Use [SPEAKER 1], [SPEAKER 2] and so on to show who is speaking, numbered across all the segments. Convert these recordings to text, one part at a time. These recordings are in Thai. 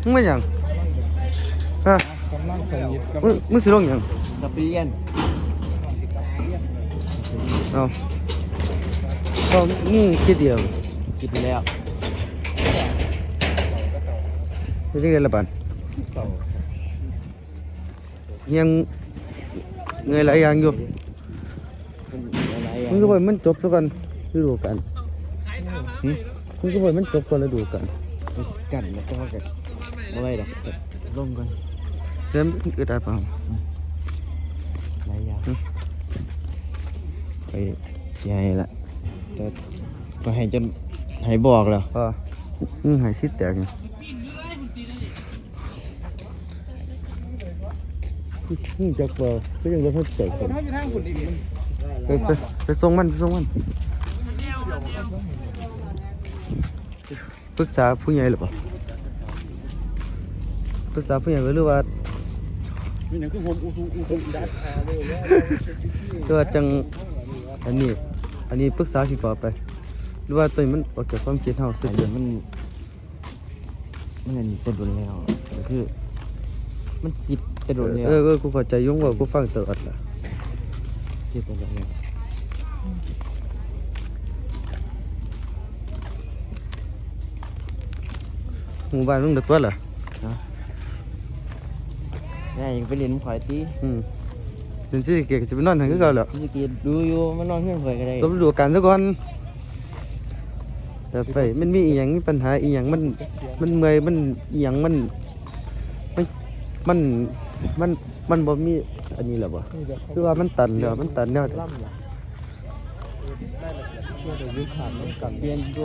[SPEAKER 1] มึงไม่หยังฮะ
[SPEAKER 2] กำลังสนิทกับ
[SPEAKER 1] มึงสิลงหยัง
[SPEAKER 3] กับเรียน
[SPEAKER 1] เอาก็มึงคิดเดียว
[SPEAKER 3] กินไปแล้ว
[SPEAKER 1] เป็นจังได๋ล่ะบัด
[SPEAKER 2] เสา
[SPEAKER 1] ยังเงยหลายอย่างอยู่
[SPEAKER 3] เป็นอะไรอ่ะ
[SPEAKER 1] มึงก็บ่ให้มันจบซะก่อนฤดูกาลมึงก็บ่ให้มันจบก่อนฤดูกาล
[SPEAKER 3] กันแล้วก็กันเอาไว้ดอกลงก่อน
[SPEAKER 1] เดี๋ยวมันอึดอัดเปล่า
[SPEAKER 3] หลายอย่างไปใหญ่ละแต่ก็ให้จนให้บอกแล้ว
[SPEAKER 1] พอมึงหายชิดแตกนี่มึงจักบ่ก็ยังบ่ทันแตก
[SPEAKER 2] คนเขาอยู่ทางคุณอีกมัน
[SPEAKER 1] ไปส่งมันปรึกษาผู้ใหญ่หรือเปล่าปรึกษาผู้ใหญ่หรือว่า
[SPEAKER 2] มีหนังคือโฮมอูดัดคาเลยว่า
[SPEAKER 1] ตัวจังอันนี้ปรึกษาพี่ปอไปหรือว่าตัวนี้มันออกจากความคิดเฮาสุด
[SPEAKER 3] เดี๋ยวมันอันนี้จะโดนแล้วก็คือ มันคิดจะโดนแล้ว
[SPEAKER 1] กูเข้าใจยุ่งว่ากูฟังตลอดล่ะ
[SPEAKER 3] คิดจะโดนแล้ว
[SPEAKER 1] หมู่บ้านมึงเด็กตัวล่ะ
[SPEAKER 3] แม่ยังไปเรียนข่อยตี
[SPEAKER 1] เดี๋ยวสิเกก็จะไปนอนทางคือเก่าแล้ว
[SPEAKER 3] พี่กีดูอยู่มันนอนเพื่อนข่อยก็ได้
[SPEAKER 1] ต้องดูกันซะก่อนแต่ไปมันมีอีหยังมีปัญหาอีหยังมันเมื่อยมันอีหยังมันบ่มีอันนี้แหละบ่คือว่ามันตันแล้วมันตันแล้ว
[SPEAKER 2] ล่ำล่ะได้ละเอียดช่วยเดี๋ยวยืดขาดมันกัน
[SPEAKER 3] เปลี่ยนตัว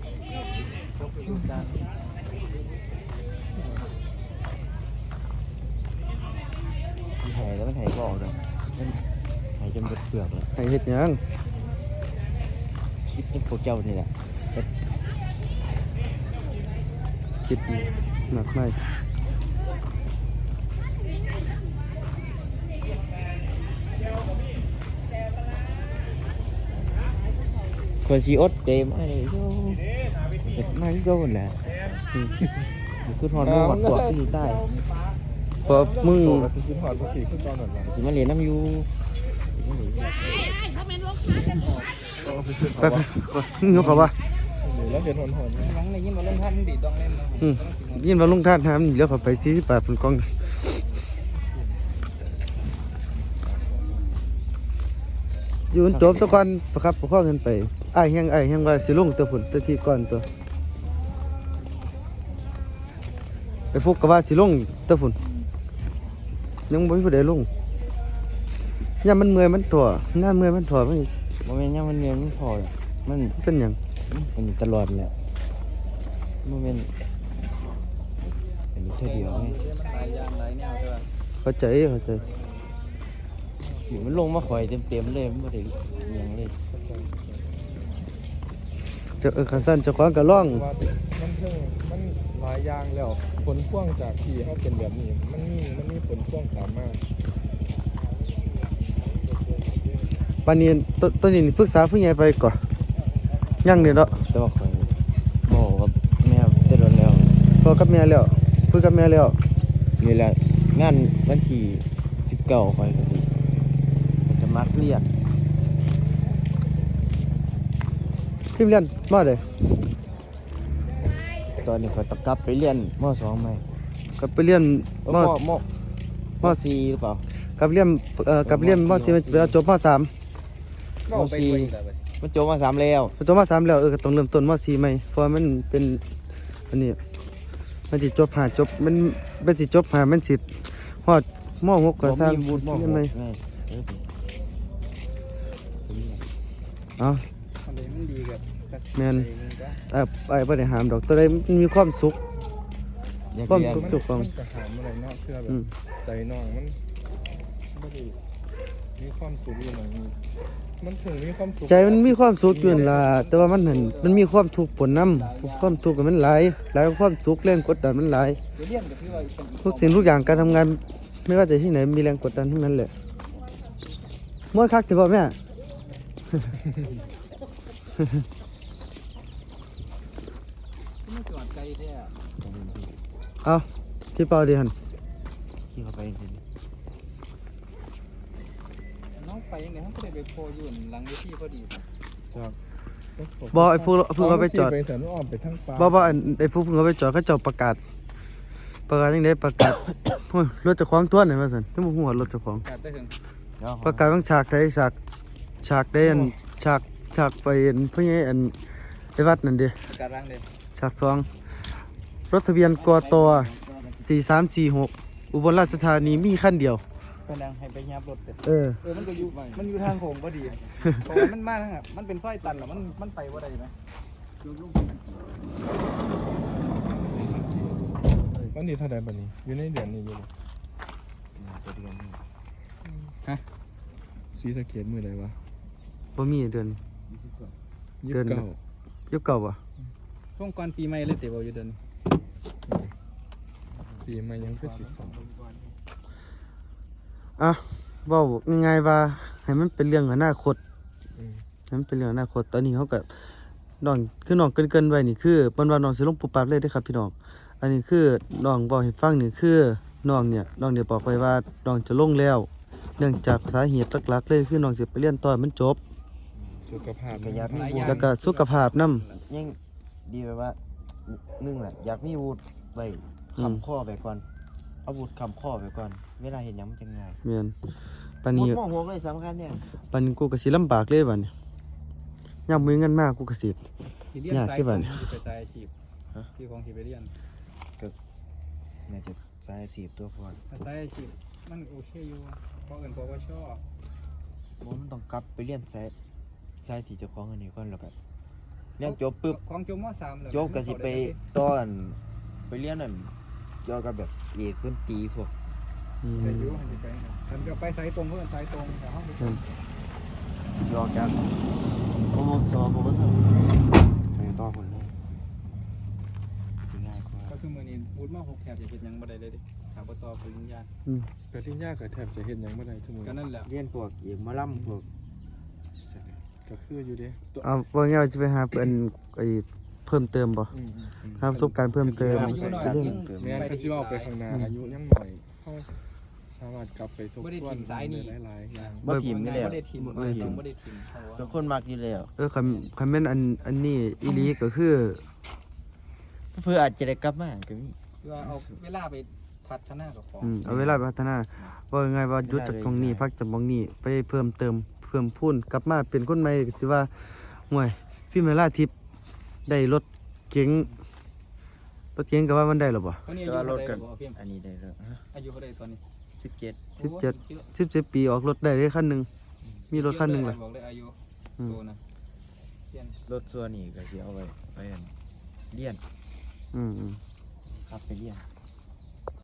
[SPEAKER 3] หายแล้วมันหายก็ออกเลยมันหายจนเบิดเปลือกแล้ว
[SPEAKER 1] ให้เฮ็ดหยัง
[SPEAKER 3] คิดเป็นพวกเจ้านี่แหละ
[SPEAKER 1] คิดหนักไหม
[SPEAKER 3] คนสีอดเต็มอะไรโย่มาที่โย่หมดแหละคือทอนมือหอดตัวที่ใต้
[SPEAKER 1] พอมึง
[SPEAKER 2] โตแล้วคือถอดปกติคือตอนนั้นล่ะ
[SPEAKER 3] สิมาเรียนน้ำยู
[SPEAKER 1] ไปมึงยกเขาว่า
[SPEAKER 2] แล้วเห็นหอน
[SPEAKER 4] หลังในยิ่งมาเล่นท่านดีต้องเล่นนะ
[SPEAKER 1] ยินว่าลุงท่านทำเดี๋ยวเขาไป40 บาทเป็นกล่องอยู่จบตะก่อนประครับประคองกันไปอ้ายแฮงว่าสิลงตัวผลตัวที่ก่อนตัวไปฟุกก็ว่าสิลงตัวผลยังบ่มีผู้ใดลงยามมันเมื่อยมันถั่วงานเมื่อยมันถั่วมัน
[SPEAKER 3] โมเมนต์ยังมันเรียนมันพอมัน
[SPEAKER 1] เป็นหยัง
[SPEAKER 3] เป็นตลอดแหละโมเมนต์เป็นแค่เดียวไง
[SPEAKER 4] หลายอย่างหลายแนวด้วย
[SPEAKER 1] เข้าใจ
[SPEAKER 3] อยู่มันลงมาข่อยเต็มเลยมันไม่ได้เลี้ยงเลย
[SPEAKER 1] จะคันสั้นเจะคว้าของก็ร้อง
[SPEAKER 2] ว่ามันเพิ่งมันหลายอย่างแล้วผลพ่วงจากที่เขาเป็นแบบนี้มันมีผลพ่วงตามมา
[SPEAKER 1] ปานนี้ตัวนี้ปรึกษาผู้ใหญ่ไปก่อนยังนี่เนาะ
[SPEAKER 3] แต่ว่าข่อยบอกกับแม่เต็มแล้ว
[SPEAKER 1] พอกับแม่แล้วคุยกับแม่แล้ว
[SPEAKER 3] นี่แหละงานวันที่19ข่อยก็ดีจะมักเรียน
[SPEAKER 1] พิมพ์เรียนมาได้
[SPEAKER 3] ตอนนี้ข่อยต้องกลับไปเรียนม.2ใหม่
[SPEAKER 1] กลับไปเรียนม
[SPEAKER 3] ม.4หรือเปล่าก
[SPEAKER 1] ลับเรียนกับเรียนมที่เวลาจบม3
[SPEAKER 4] ก็ไปคุยแต่ไป
[SPEAKER 3] มันจบม.3แล้ว
[SPEAKER 1] จบม3แล้วก็ต้องเริ่มต้นม4ใหม่เพราะว่ามันเป็นอันนี้มันสิจบ5จบมันสิจบ5มันสิฮอดม6ก็
[SPEAKER 3] ผม
[SPEAKER 1] สร้าง
[SPEAKER 3] มีวุฒิม
[SPEAKER 1] เรียนใหม่
[SPEAKER 3] .6 ไง
[SPEAKER 1] เอ้า
[SPEAKER 4] อะไรมันดีกับ
[SPEAKER 1] แม่นไอ้บ่ได้ห้ามดอกตัวใดมันมีความสุข
[SPEAKER 3] อยาก
[SPEAKER 1] ความ
[SPEAKER 3] เรียน
[SPEAKER 1] สุขถูกต้อง
[SPEAKER 2] มันจะหามอะไรเนาะเพื่อแบบใจน้องมันไม่ได้มีความสุขอยู่หน่อยนึงมันถึงมีความสุข
[SPEAKER 1] ใจมันมีความสุขอยู่นั่นล่ะแต่ว่ามันมีความทุกข์ปนนำความทุกข์มันหลายกว่าความสุขแรงกดดันมันหลาย
[SPEAKER 4] เรียนกับพี่ว่าเป็น
[SPEAKER 1] ทุกสิ่งทุกอย่างการทำงานไม่ว่าจะที่ไหนมีแรงกดดันทั้งนั้นแหละม้วนคักสิบ่แม่
[SPEAKER 4] ไม่จอดไกลแท้
[SPEAKER 1] เอาที่เป่าดีหัน
[SPEAKER 3] ขี่เข้าไปจริง
[SPEAKER 4] น้องไปยังไงเขาก็ได้ไปโพอยู่หลังเวทีพอดี
[SPEAKER 2] จาก
[SPEAKER 1] บ่ไอ้ฟูเขาไปจอด
[SPEAKER 2] ไปแต่นู้นอ้อมไปทางป่า
[SPEAKER 1] บ่อันไอ้ฟูเขาไปจอดเขาเจ้าประกาศจังได๋ประกาศ โอ้ยรถเจ้าของตัวนี่ว่าซั่นที่บ่ฮู้ว่ารถเจ้าของ
[SPEAKER 4] กาดได้ถึง
[SPEAKER 3] เดี๋ยว
[SPEAKER 1] ประกาศบางฉากใดฉากใดอันฉากไปอันเพิ่นให้อันไปวัดนั่นเด้
[SPEAKER 4] กาดร่างเด้
[SPEAKER 1] ฉาก2รถทะเบียนกต4346อุบลราชธานีมีคันเดียว
[SPEAKER 4] เพิ่นยังให้ไปยับรถเด้
[SPEAKER 1] มันก็อยู่
[SPEAKER 4] มันอยู่ทางโค้งพอดีเพราะมันมาทางมันเป็นซอยตันแล้วมันไปบ่ได้ไหม
[SPEAKER 2] วันนี้เท่าไหร่บัดนี้อยู่ในเดือนนี้อยู่บ่
[SPEAKER 3] ตัวเดือนนี้
[SPEAKER 2] สีสะเกตมือใดวะ
[SPEAKER 1] บ่มีเดือน
[SPEAKER 2] ยี่
[SPEAKER 1] เดื
[SPEAKER 2] สิ
[SPEAKER 1] อน
[SPEAKER 2] บเก้า
[SPEAKER 1] ยุคเก่าบ่
[SPEAKER 4] ช่วงก่อนปีใหม่เลยเตะบ่อยู่เดิน
[SPEAKER 2] ปีใหม่ยังคือสิสอง
[SPEAKER 1] อ่ะเว้าง่ายๆว่าให้มันเป็นเรื่องอนาคต
[SPEAKER 2] อืม
[SPEAKER 1] ให้มันเป็นเรื่องอนาคตตอนนี้เขาก็น้องคือน้องเกินๆไว้นี่คือเปิ้นว่าน้องสิลงปุ๊บปั๊บเลยเด้อครับพี่น้องอันนี้คือน้องบอกให้ฟังนี่คือน้องเนี่ยบอกไว้ว่าน้องจะลงแล้ว เนื่องจากสาเหตุหลักๆเลยคือน้องสิไปเรียนต่อให้มันจบ
[SPEAKER 2] สุขภาพ
[SPEAKER 3] ก็อยากมีวุฒิ
[SPEAKER 1] แล้วก็สุขภาพนำ
[SPEAKER 3] ยังดีไปว่าหนึ่งแหละอยากมีวุฒิไว้
[SPEAKER 1] อืม
[SPEAKER 3] คำข้อไปก่อนเอาวุฒิคำข้อไปก่อนเวลาเห็นหยังมันจะง่าย
[SPEAKER 1] แม่นปาน
[SPEAKER 3] วุ
[SPEAKER 1] นี้
[SPEAKER 3] ฒิมองหัวเลยสำคัญเนี่ย
[SPEAKER 1] ปานนี้กูก็สิลำบากเลยบัดนี้ยามมีเงินมากกูก็สิ
[SPEAKER 4] ที่เรียน
[SPEAKER 1] ยาก
[SPEAKER 4] สาย
[SPEAKER 1] ที่
[SPEAKER 4] ข
[SPEAKER 1] บ้า
[SPEAKER 4] อน งที่ไปสายอาชีพที่ของที่ไปเรียน
[SPEAKER 3] น่าจะสายสีบตัวพอ
[SPEAKER 4] ถ้าสายอาชีพมันโอเคอยู่เพราะเอิ้นเพราะว่าชอบ
[SPEAKER 3] มันต้องกลับไปเรียนสายที่เจ้าของอันนี้ก่อนแล้วก็เรียนจบปุ๊บ
[SPEAKER 4] ของจบม.3แล้ว
[SPEAKER 3] จบก็สิไปตอนไปเรียนนั่นเกี่ยวกับแบบเอกดนตรีพวก
[SPEAKER 1] อืม
[SPEAKER 4] ไปอยู่หันไปกันก็ไปสายตรงเพิ่นสายตรงแต่เฮา
[SPEAKER 1] อืม
[SPEAKER 3] ยอกันโอ้สอบผมก็ทำไปต่อคนเลยสิง่ายกว่า
[SPEAKER 4] ก็คือมื้อนี้พูดมา6แถบจะเฮ็ดหยังบ่ได้เลยดิถ้าบ่ต่อปริญญา
[SPEAKER 1] อืม
[SPEAKER 2] ปริญญาก็แทบจะเฮ็ดหยังบ่ได้ทุกมื้อ
[SPEAKER 4] ก็นั่นแหละ
[SPEAKER 3] เรียนพวกเอกหมะล่ำพวก
[SPEAKER 2] ก็คืออยู่เด้ตัว
[SPEAKER 1] เอาว่าง่ายๆสิไปหาเพิ่นไอ้เพิ่มเติมบ่
[SPEAKER 2] อืม
[SPEAKER 1] หาประสบการณ์เพิ่มเติม
[SPEAKER 3] อายุน้อยยิ่ง
[SPEAKER 2] แม่นก็สิว่าไปข้างหน้าอายุยังหน่อยเฮาสามารถกลับไปทบ
[SPEAKER 4] บ่ได้
[SPEAKER 2] ทวน
[SPEAKER 4] ถิ่มสายนี่
[SPEAKER 2] หลายๆอย่าง
[SPEAKER 3] บ่ถิ่มนี่แหละ
[SPEAKER 4] บ่ได้ถิ่ม
[SPEAKER 3] บ่ถิ่ม
[SPEAKER 4] บ่ได้ถิ่มเพราะว่า
[SPEAKER 3] เป็นคนมักอยู่แล้ว
[SPEAKER 1] คันแม่นอันนี้อีหลีก็คือ
[SPEAKER 3] เพื่ออาจจะได้กลับมาก็มี
[SPEAKER 4] คือว่าเอาเวลาไปพัฒนากับของ
[SPEAKER 1] เอาเวลาไปพัฒนาว่าไงว่าหยุดจากตรงนี้พักจากตรงนี้ไปเพิ่มเติมเพิ่มพูนกลับมาเป็นคนใหม่ก็สิว่าห่วยฟิล์มเวลาทิพย์ได้รถเก๋งก็ว่ามันได้หรอบ่
[SPEAKER 4] ตอนนี้
[SPEAKER 3] แต่
[SPEAKER 4] อายุ
[SPEAKER 3] ว่าร
[SPEAKER 4] เท่า
[SPEAKER 3] ถ
[SPEAKER 4] ใด
[SPEAKER 3] กัน
[SPEAKER 4] บ่ฟิล์ม
[SPEAKER 3] อันนี้ได้แล้วฮะ
[SPEAKER 4] อายุเท่าใดตอนนี้
[SPEAKER 3] 17
[SPEAKER 1] 17ปีออกรถได้เลยคันหนึงมีรถคันหนึงล่ะ
[SPEAKER 4] บอกเลยอายุ
[SPEAKER 1] อืม
[SPEAKER 4] โตนะเรียน
[SPEAKER 3] รถส่วนนี้ก็สิเอาไว้อันเรียน
[SPEAKER 1] อืม
[SPEAKER 3] ขับไปเรียน